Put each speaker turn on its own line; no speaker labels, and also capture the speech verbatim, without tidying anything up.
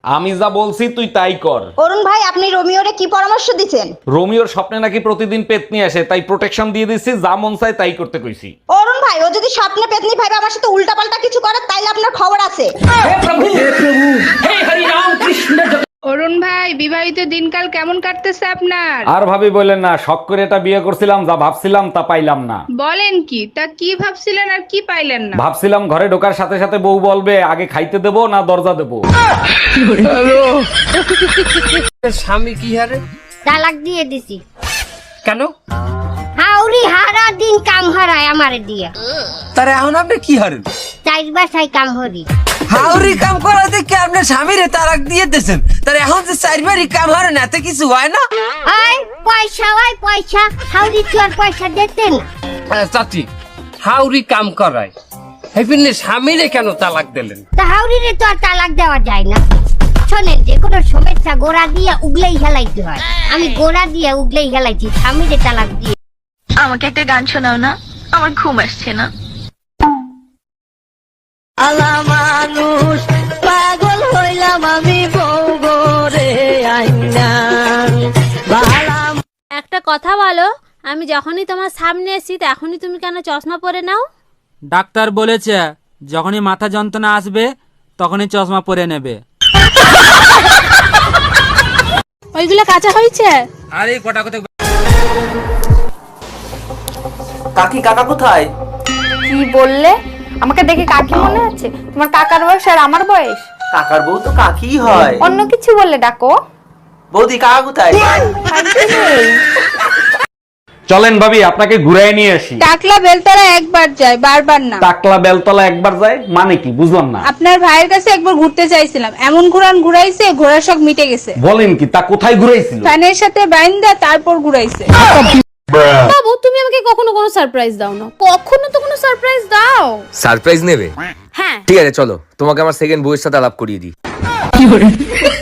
আমি যা বলছি তুই তাই কর।
অরুণ ভাই, আপনি রোমিওরে কি পরামর্শ দিচ্ছেন?
রোমিওর স্বপ্নে নাকি প্রতিদিন পেতনি আসে, তাই প্রোটেকশন দিয়ে দিচ্ছি, যা মন চায় তাই করতে কইছি।
অরুণ ভাই, ও যদি স্বপ্নে পেতনি ভাইবে আমার সাথে উল্টাপাল্টা কিছু করে তাইলে আপনার খবর আছে।
অরুণ ভাই, বিবাহিত দিনকাল কেমন কাটতেছে আপনার?
আর ভাবি বললেন না, শখ করে এটা বিয়ে করছিলাম, যা ভাবছিলাম তা পাইলাম না।
বলেন কি? তা কি ভাবছিলেন আর কি পাইলেন না?
ভাবছিলাম ঘরে ঢোকার সাথে সাথে বউ বলবে আগে খাইতে দেবো না দরজা দেবো।
স্বামী কি হারে?
তালাক দিয়ে দিছি।
কেন?
হাউরি হারা দিন কাম হারায় আমারে দিয়া।
তার এখন আপনি কি হারেন?
চাইর বাসায় কাম হরি।
হাউরি কাম করাতে কি আপনার স্বামীরে তালাক দিয়ে দিয়েছেন? তার এখন যে চারবারই কাম হারেন এতে কিছু হয় না?
আয় পয়সা হয় পয়সা, হাউরি তো আর পয়সা দিতেন।
চাচি, হাউরি কাম করায় হেপিনে স্বামীরে কেন তালাক দিলেন?
তা হাউরিরে তো আর তালাক দেওয়া যায় না। শোনেন, যে কোনো সমস্যা গোড়া দিয়ে উগলেই হেলাইতে হয়। আমি গোড়া দিয়ে উগলেই হেলাইছি, স্বামীরে তালাক দিয়ে।
আমাকে একটা গান শোনাও না, আমার ঘুম আসছে না।
আলা মানুষ পাগল হইলাম আমি বউ গরে আইনা বালা।
একটা কথা বলো, আমি যখনই তোমার সামনে এসি তখনই তুমি কেন চশমা পরে নাও?
ডাক্তার বলেছে যখনই মাথা যন্ত্রণা আসবে তখনই চশমা পরে নেবে।
ওইগুলো কাঁচা হয়েছে?
আরে কটা কথা।
কাকি কাকা কোথায়?
কি বললে? আমাকে দেখে কাকি মনে আছে? তোমার কাকার বয়স আর আমার বয়স?
কাকার বউ তো কাকি হয়।
অন্য কিছু বললে ডাকো।
বৌদি কাকা কোথায়?
চলেন ভাবি আপনাকে ঘুরাই নিয়ে আসি।
টাকলা বেলতলা একবার যায়, বারবার না।
টাকলা বেলতলা একবার যায় মানে কি বুঝলাম না।
আপনার ভাইয়ের কাছে একবার ঘুরতে চাইছিলাম, এমন ঘুরান ঘুরাইছে ঘোড়ার শখ মিটে গেছে।
বলেন কি, তা কোথায় ঘুরাইছিল?
ফ্যানের সাথে বাইন্দা তারপর ঘুরাইছে।
বাবু, তুমি আমাকে কখনো কোনো সারপ্রাইজ দাও না। কখনো তো কোনো সারপ্রাইজ দাও।
সারপ্রাইজ নেবে?
হ্যাঁ।
ঠিক আছে, চলো তোমাকে আমার সেকেন্ড বউয়ের সাথে আলাপ করিয়ে দিই।